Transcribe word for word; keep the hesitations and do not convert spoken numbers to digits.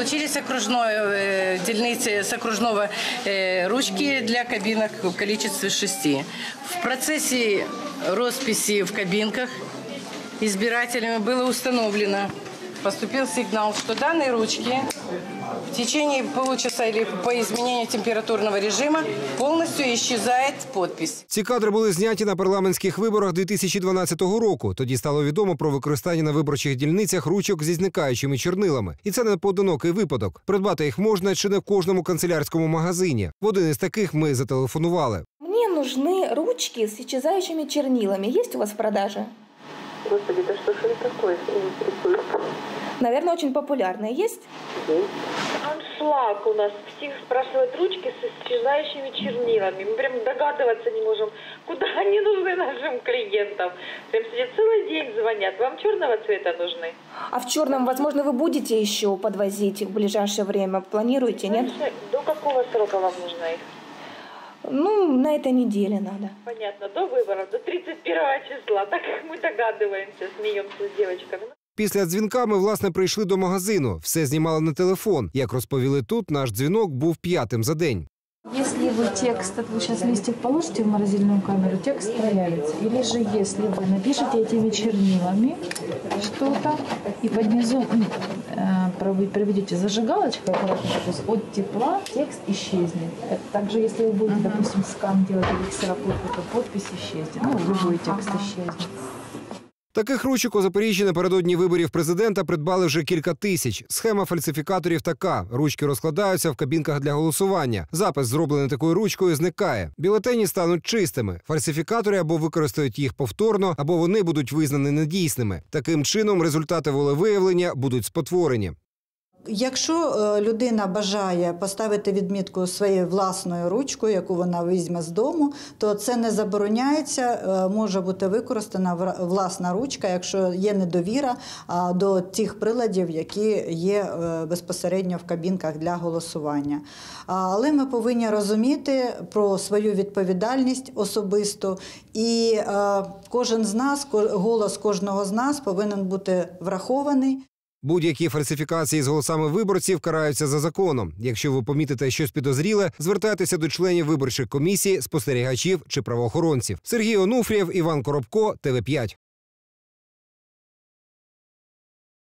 Получились окружной дельницы с окружного ручки для кабинок в количестве шести. В процессе росписи в кабинках избирателями было установлено, поступил сигнал, что данные ручки в течение получаса или по изменению температурного режима повністю исчезает подпись. Ці кадри були зняті на парламентських виборах дві тисячі дванадцятого року. Тоді стало відомо про використання на виборчих дільницях ручок зі зникаючими чорнилами. І це не поодинокий випадок. Придбати їх можна чи не в кожному канцелярському магазині. В один із таких ми зателефонували. Мені нужны ручки з исчезающими чернилами. Є у вас в продаже? Господи, да что ж это такое? Наверное, очень популярные. Есть? Есть. Аншлаг у нас. Всех спрашивают ручки с исчезающими чернилами. Мы прям догадываться не можем, куда они нужны нашим клиентам. Прям сидят целый день, звонят. Вам черного цвета нужны? А в черном, возможно, вы будете еще подвозить их в ближайшее время? Планируете, нет? До какого срока вам нужно их? Ну, на этой неделе надо. Понятно, до выборов, до тридцать первого числа. Так как мы догадываемся, смеемся с девочками. Після дзвінка ми, власне, прийшли до магазину. Все знімали на телефон. Як розповіли тут, наш дзвінок був п'ятим за день. Если вы текст, вы сейчас листик положите в морозильную камеру, текст появится. Или же если вы напишете этими чернилами что-то и под низом э, проведете зажигалочкой, то есть от тепла текст исчезнет. Также если вы будете, допустим, скан делать или ксерокопию, то подпись исчезнет. Ну, любой текст исчезнет. Таких ручок у Запоріжжі напередодні виборів президента придбали вже кілька тисяч. Схема фальсифікаторів така. Ручки розкладаються в кабінках для голосування. Запис, зроблений такою ручкою, зникає. Бюлетені стануть чистими. Фальсифікатори або використають їх повторно, або вони будуть визнані недійсними. Таким чином результати волевиявлення будуть спотворені. Якщо людина бажає поставити відмітку своєю власною ручкою, яку вона візьме з дому, то це не забороняється, може бути використана власна ручка, якщо є недовіра до тих приладів, які є безпосередньо в кабінках для голосування. Але ми повинні розуміти про свою відповідальність особисту, і кожен з нас, голос кожного з нас повинен бути врахований. Будь-які фальсифікації з голосами виборців караються за законом. Якщо ви помітите щось підозріле, звертайтеся до членів виборчих комісій, спостерігачів чи правоохоронців. Сергій Онуфрієв, Іван Коробко, Т В п'ять.